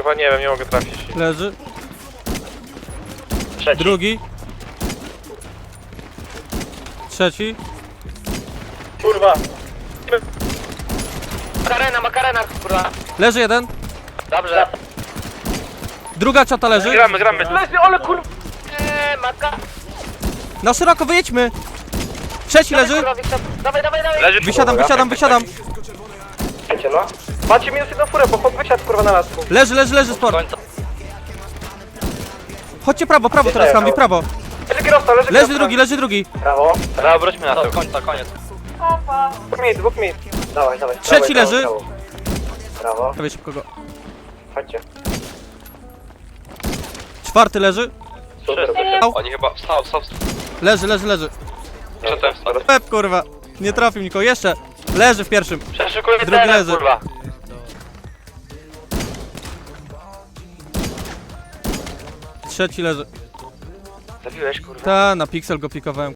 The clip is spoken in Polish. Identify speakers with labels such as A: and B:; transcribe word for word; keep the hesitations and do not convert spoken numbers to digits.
A: Kurwa, nie wiem, nie mogę trafić.
B: Leży.
A: Trzeci.
B: Drugi. Trzeci.
A: Kurwa. Makarena, makarena, kurwa.
B: Leży jeden.
A: Dobrze.
B: Druga czata leży.
A: Gramy, gramy. Leży, ale kurwa. Eee, maka.
B: Na szeroko wyjedźmy. Trzeci leży.
A: Dawaj, dawaj, dawaj. Leży,
B: Wysiadam, wysiadam, wysiadam.
A: Wiecie, no. Macie minus jedną furę, bo chłop wysiadł kurwa na nas.
B: Leży, leży, leży sport. Chodźcie prawo, prawo teraz Hambi, prawo.
A: Leży kierowca, leży
B: Leży drugi, leży drugi.
A: Brawo. Brawo, wróćmy na to. Końca, koniec. Dwóch minut, dwóch minut. Dawaj, dawaj.
B: Trzeci leży.
A: Brawo.
B: Dawaj szybko go.
A: Chodźcie.
B: Czwarty leży.
A: Super.
B: Au.
A: Oni chyba wstał, wstał, wstał.
B: Leży, leży, leży.
A: Przedtem wstał.
B: Pep kurwa. Nie trafił nikogo. Jeszcze. Leży w pierwszym.
A: Przeszukuję
B: Drugi
A: teren,
B: leży.
A: kurwa.
B: Trzeci leży.
A: Zabiłeś, kurwa.
B: Ta, na piksel go pikowałem.